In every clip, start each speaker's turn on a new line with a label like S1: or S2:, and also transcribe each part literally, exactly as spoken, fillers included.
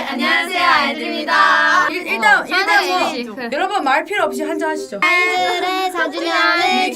S1: 안녕하세요, 아이들입니다.
S2: 일, 일단 일단 뭐
S1: 네.
S2: 여러분 말 필요 없이 한잔 하시죠.
S1: 아이들의 사 주년을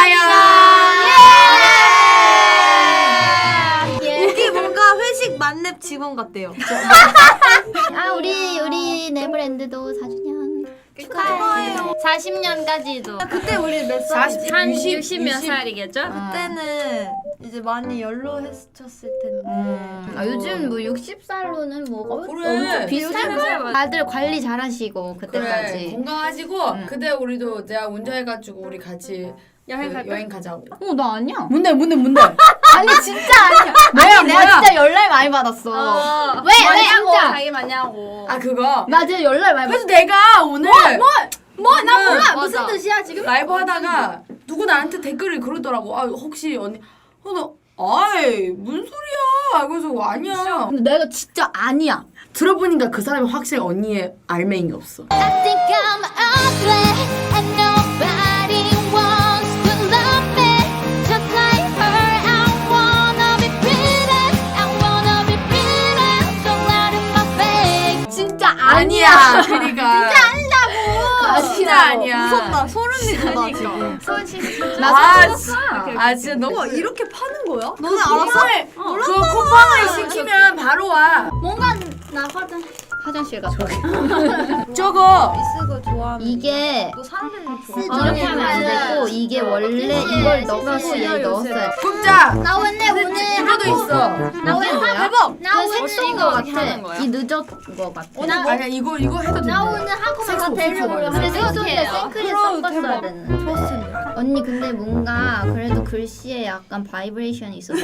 S2: 축하해요.
S3: 여기 뭔가 회식 만렙 직원 같대요.
S1: 아 우리 우리 네브랜드도 사 주년
S3: 축하해요.
S1: 사십 년까지도.
S3: 그때 우리 몇 살이지?
S1: 한
S2: 육십,
S1: 육십 몇
S2: 육십.
S1: 살이겠죠?
S3: 그때는 이제 많이 연로했었을 텐데.
S1: 음. 아, 요즘 뭐 육십 살로는 뭐 어,
S2: 그래.
S1: 엄청 비슷할 거야. 다들 관리 잘하시고
S2: 그래
S1: 그때까지.
S2: 건강하시고
S1: 응.
S2: 그때 우리도 내가 운전해가지고 우리 같이
S1: 여행
S2: 그
S1: 갈까?
S2: 여행 가자고.
S1: 어 나 아니야.
S2: 뭔데 뭔데 뭔데?
S1: 아니 진짜 아니야.
S2: 뭐야,
S1: 아니 내가
S2: 뭐야?
S1: 진짜 연락 많이 받았어.
S4: 어,
S1: 왜? 왜
S4: 맞냐고,
S1: 진짜?
S4: 자기 맞냐고.
S2: 아 그거.
S1: 나 진짜 연락 많이
S2: 그래서
S1: 받았어.
S2: 내가 오늘
S4: 뭐? 나
S2: 응,
S4: 몰라.
S1: 맞아.
S4: 무슨 뜻이야 지금?
S2: 라이브 하다가 누구 나한테 댓글을 그러더라고. 아 혹시 언니 어, 나 아이 무슨 소리야? 그래서 아니야.
S1: 근데 내가 진짜 아니야.
S2: 들어보니까 그 사람이 확실히 언니의 알맹이 없어.
S5: I think I'm ugly and nobody wants to love me just like her. I wanna be pretty, I wanna be pretty, so loud in my face.
S1: 진짜
S2: 아니야. 그러니까.
S1: 아,
S2: 진짜 아니야.
S3: 무섭다. 소름 돋아 지금.
S4: 솔직히 진짜.
S1: 나
S2: 아,
S1: 사실
S2: 진- 아 진짜 너무
S3: 와 이렇게 파는 거야? 너네
S2: 그
S3: 알았어?
S2: 쿠팡을 그 쿠팡을 시키면 바로 와.
S4: 뭔가 나거든.
S1: 화장실 갔다.
S2: 저거
S3: 쓰고 좋아하는.
S1: 이게
S3: 또 사람들이
S1: 이렇게 하면 안 되고 이게 원래 이걸 넣어서 얘 넣었어야 돼.
S2: 국자.
S4: 나 오늘 오늘
S2: 이거도 있어.
S1: 나 오늘 뭐야?
S3: 대박.
S4: 나
S1: 그
S4: 오늘
S1: 색소인
S4: 이거
S1: 거
S4: 어떻게 하는
S1: 같아.
S4: 거야?
S1: 이 늦었 거 같아.
S2: 아니야 이거 이거 해도 돼.
S4: 나 오늘 학원 가서
S2: 색소,
S4: 데려오려
S2: 색소
S1: 근데
S4: 하는데
S1: 색소인데
S4: 어떡해요?
S1: 생크림
S3: 그럼
S1: 섞었어야
S3: 대박.
S1: 되는.
S3: 좋았을 텐데.
S1: 언니 근데 뭔가 그래도 글씨에 약간 바이브레이션이 있어서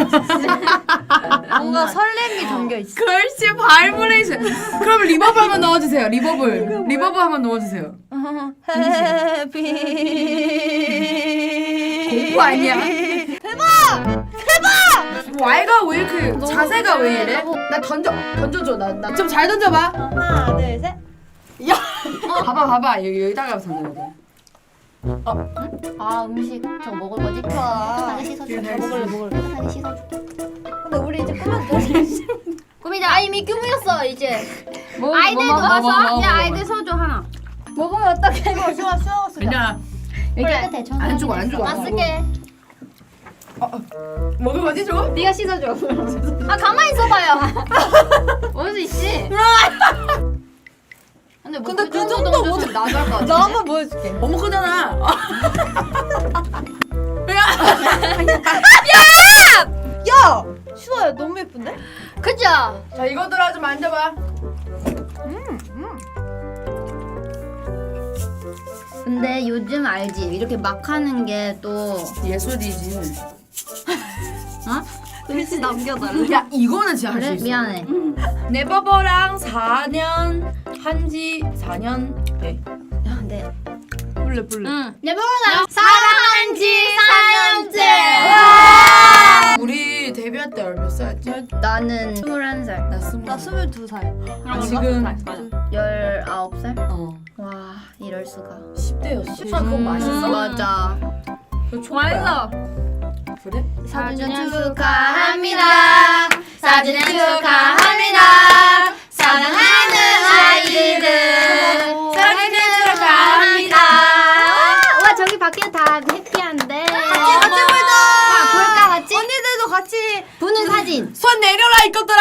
S3: 뭔가 설렘이 담겨 있어.
S2: 글씨 바이브레이션. 그럼 리버브 한번 넣어주세요. 리버브. 리버브 한번 넣어주세요.
S3: 해피.
S2: 공부 아니야? 대박! 대박! Y가 왜 이렇게 자세가 왜 이래? 나 던져 던져줘. 나 나 좀 잘 던져봐.
S3: 하나 둘 셋.
S2: 봐봐 봐봐 여기 여기다가 던져야 돼.
S1: 아 음식 저 먹을 거지? 깨끗하게 씻어줄게. 먹을래 먹을래. 깨끗하게 씻어줄게.
S3: 근데 우리 이제 꾸며도 돼.
S4: 꾸미자. 아 이미 꾸몄어 이제.
S1: 뭐,
S4: 아이들도
S1: 뭐 먹어?
S4: 와서
S2: 먹어, 먹어,
S4: 야
S2: 먹어.
S4: 아이들 소주 하나.
S3: 먹으면 어떡해 이거 수아 수아 수아.
S2: 그냥
S1: 여기 깨끗해. 전
S2: 안 주고 안 주고.
S4: 나 쓸게.
S2: 먹을 거지 줘?
S4: 네가 씻어줘. 아 가만히 있어봐요. 원수 씨. 근데 뭐
S3: 근데
S4: 그
S3: 그
S4: 정도
S3: 정도
S4: 정도
S3: 못-
S4: 좀 나갈 것 같아.
S3: 나 한번 보여줄게.
S2: 너무 크잖아.
S3: 야 수아야 너무 예쁜데?
S4: 그죠?
S2: 자 이것들아 좀 만져봐.
S1: 근데 요즘 알지? 이렇게 막 하는 게 또
S2: 예술이지.
S1: 어?
S3: 글씨 남겨달래.
S2: 야 이거는 진짜 할 수
S1: 그래?
S2: 있어.
S1: 미안해.
S2: 네버버랑 사 년 한지 사 년 돼.
S1: 야, 근데
S3: 볼래 볼래.
S4: 응. 내 보라 사랑한 지 사 년째.
S2: 우리 데뷔할 때 몇 살였지?
S1: 나는 스물한 살,
S2: 나 스무.
S3: 나 스물두 살.
S2: 아, 지금
S1: 열아홉 살?
S2: 어
S1: 와 이럴 수가.
S2: 십 대였어. 십 대 그거 맛있어?
S1: 맞아.
S2: 그거 초코야.
S4: 맛있어.
S2: 그래?
S1: 사 주년
S4: 축하합니다. 사 주년 축하합니다. 사랑하는 아이들. 사랑하는 축하합니다.
S1: 와 저기 밖에 다 해피한데.
S3: 같이 같이 보자.
S1: 아, 볼까 같이?
S3: 언니들도 같이.
S1: 부는 사진.
S2: 손 내려라 이것들아.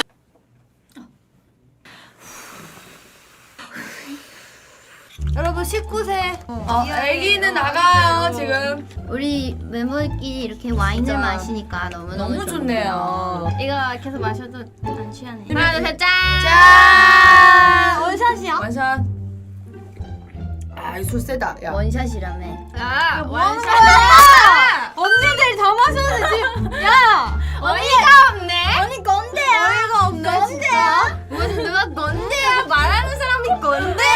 S3: 여러분 십구 세.
S2: 어, 애기는 나가요 지금.
S1: 우리 멤버들끼리 이렇게 와인을
S2: 진짜.
S1: 마시니까 너무 너무
S2: 너무 좋네요.
S4: 이거 계속 마셔도 안 취하네.
S2: 하나,
S4: 둘, 셋, 짠.
S2: 짠.
S3: 원샷이야?
S2: 완샷. 아, 이 술 세다. 야.
S1: 원샷이라며.
S4: 야,
S3: 뭐 하는
S4: 원샷.
S3: 거야? 언니들 다 마셨는데 지금. 야.
S4: 어이가 없네.
S3: 언니 건데야. 어이가 없네. 건데야.
S4: 무슨 누가 건데야? 말하는 사람이 건데야.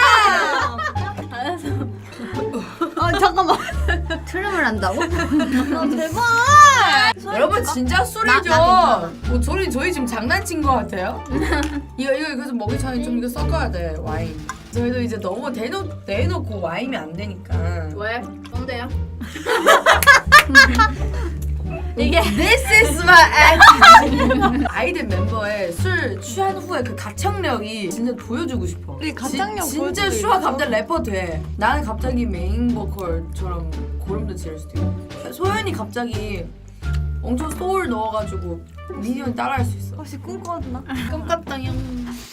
S3: 아 잠깐만.
S1: 트름을 한다고?
S3: 아, 대박.
S2: 여러분 진짜 술이죠.
S1: 나
S2: 뭐 저희 저희 지금 장난친 거 같아요? 이거 이거 그래서 먹기 전에 좀 이거 섞어야 돼 와인. 저희도 이제 너무 대놓 대놓고 와인이 안 되니까.
S4: 왜? 건데야? 이게
S2: This is my attitude. 아이들 멤버의 술 취한 후에 그 가창력이 진짜 보여주고 싶어.
S3: 이 가창력
S2: 지, 진짜
S3: 보여줄 수
S2: 슈아
S3: 있어?
S2: 갑자기 래퍼 돼. 나는 갑자기 메인 보컬처럼 고름도 지를 수도 있고. 소연이 갑자기 엄청 소울 넣어가지고 미니언 따라할 수 있어.
S3: 혹시 꿈꿔왔나?
S4: 꿈꿨던 형.